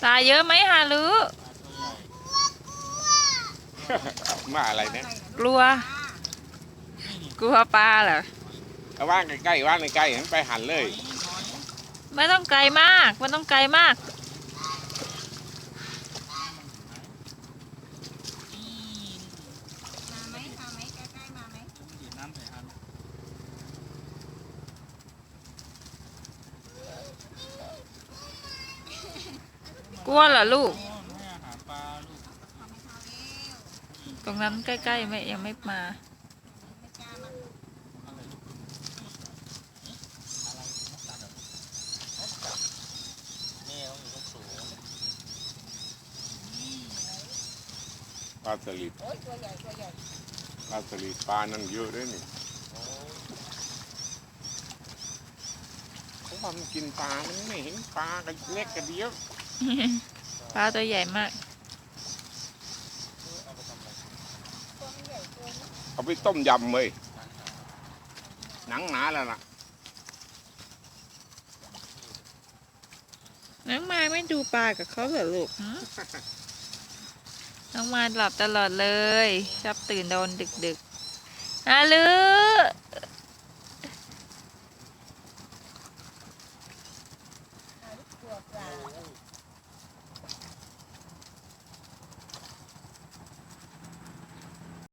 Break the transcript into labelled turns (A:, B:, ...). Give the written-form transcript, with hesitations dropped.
A: ลาเยอะไหมฮารุ
B: มาอะไรเนี่ย
A: กลัวกลัวปลาเหรอ
B: เอาว่างใกล้ๆว่างใกล้ๆไปหันเลย
A: ไม่ต้องไกลมากไม่ต้องไกลมากกลัวเหรอลูกตรงนั้นใกล้ๆไม่ยังไม่มา
B: ปลาสลิดปลาสลิดปลานั่นเยอะด้วยนี่เพราะว่ามันกินปลามันไม่เห็นปลากันเล็กกันเดียว
A: ปลาตัวใหญ่มาก
B: เอาไปต้มยำเลยหนังหนาแล้วล่ะ
A: น้องมายไม่ดูปลากับเขาเหรอลูกน้องมายหลับตลอดเลยชอบตื่นโดนดึกๆฮัลโหล